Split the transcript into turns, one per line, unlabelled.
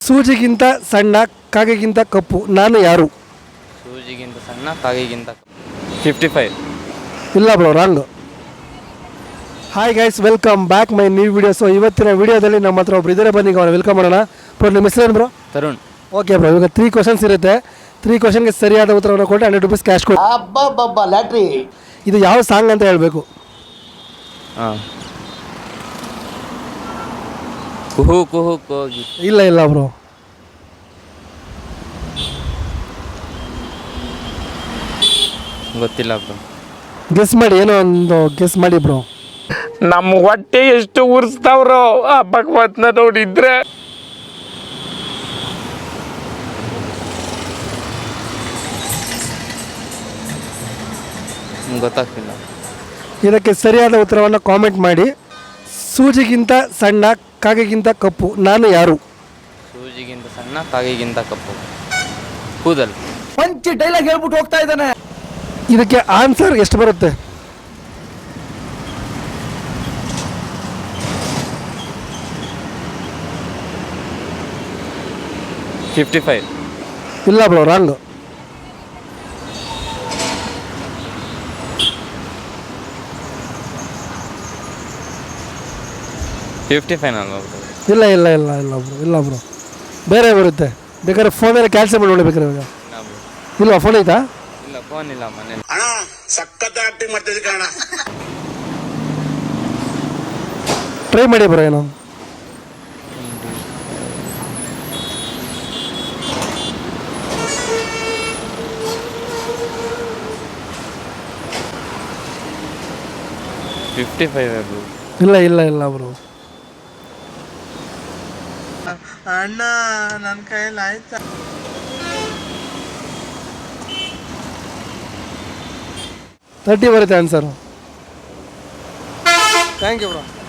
ಸೂಜಿಗಿಂತ ಸಣ್ಣ ಕಾಗೆಗಿಂತ ಕಪ್ಪು ನಾನು ಯಾರು?
ಸೂಜಿಗಿಂತ ಸಣ್ಣ ಕಾಗೆಗಿಂತ 55.
ಇಲ್ಲ bro, wrong. Hi guys, welcome back my new video. So ಇವತ್ತಿನ ವಿಡಿಯೋದಲ್ಲಿ ನಮ್ಮ ಹತ್ರ ಒಬ್ರು ಇದ್ದಾರೆ, ಬನ್ನಿ ಅವ್ರು ವೆಲ್ಕಮ್ ಮಾಡೋಣ. ಬ್ರೋ, ನಿಮ್ಮ ಹೆಸರೇನು ಬ್ರೋ?
ತರುಣ್.
ಓಕೆ ಬ್ರೋ, ಇವಾಗ 3 ಕ್ವಶನ್ಸ್ ಇರುತ್ತೆ. 3 ಕ್ವಶನ್ಗೆ ಸರಿಯಾದ ಉತ್ತರವನ್ನು ಕೊಟ್ಟು 100 ರೂಪೀಸ್ ಕ್ಯಾಶ್ ಕೊಡಿ. ಲ್ಯಾಟ್ರಿ. ಇದು ಯಾವ ಸಾಂಗ್ ಅಂತ ಹೇಳಬೇಕು.
ಹಾಂ, ಕುಹು ಕುಹು ಕೋಗಿ.
ಇಲ್ಲ ಬ್ರೋ,
ಗೊತ್ತಿಲ್ಲ ಬ್ರೋ.
ಗೆಸ್ ಮಾಡಿ, ಏನೋ ಒಂದು ಗೆಸ್ ಮಾಡಿ ಬ್ರೋ.
ನಮ್ಮ ಹೊಟ್ಟೆ ಎಷ್ಟು ಉರ್ಸ್ತಾವ್ರೋ ಆ ಭಗವತ್ನ ನೋಡಿದ್ರೆ.
ಗೊತ್ತಾಗ್ತಿಲ್ಲ.
ಇದಕ್ಕೆ ಸರಿಯಾದ ಉತ್ತರವನ್ನು ಕಾಮೆಂಟ್ ಮಾಡಿ. ಸೂಜಿಗಿಂತ ಸಣ್ಣ ಕಾಗೆಗಿಂತ ಕಪ್ಪು ನಾನು ಯಾರು?
ಸೂಜಿಗಿಂತ ಸಣ್ಣ ಕಾಗೆಗಿಂತ ಕಪ್ಪು ಕೂದಲು.
ಪಂಚ್ ಡೈಲಾಗ್ ಹೇಳ್ಬಿಟ್ಟು ಹೋಗ್ತಾ ಇದ್ದಾನೆ.
ಇದಕ್ಕೆ ಆನ್ಸರ್ ಎಷ್ಟು ಬರುತ್ತೆ?
$55.
ಇಲ್ಲ ಬ್ರೋ, ರಾಂಗ್.
$55 ಅಲ್ವಾ ಬ್ರೋ?
ಇಲ್ಲ ಬ್ರೋ, ಬೇರೆ ಬರುತ್ತೆ. ಬೇಕಾದ್ರೆ ಫೋನಲ್ಲಿ ಕ್ಯಾನ್ಸಲ್ ಮಾಡಿ ನೋಡಬೇಕಾರೆ. ಇವಾಗ
ಇಲ್ಲ ಬ್ರೋ.
ಇಲ್ವಾ, ಫೋನ್ ಐತಾ?
ಇಲ್ಲ, ಫೋನ್ ಇಲ್ಲ ಮನೇಲಿ.
ಅಣ್ಣ ಸಖತ್ ಆಕ್ಟಿಂಗ್ ಮಾಡ್ತಿದ್ದೆ ಕಣ.
ಟ್ರೈ ಮಾಡಿ ಬ್ರೋ. ಏನೋ
$55 ಬ್ರೋ.
ಇಲ್ಲ ಬ್ರೋ.
ಅಣ್ಣ ನನ್ನ ಕೈಯಲ್ಲಿ ಆಯ್ತಾ?
30 ಬರುತ್ತೆ ಆನ್ಸರು. Thank you bro.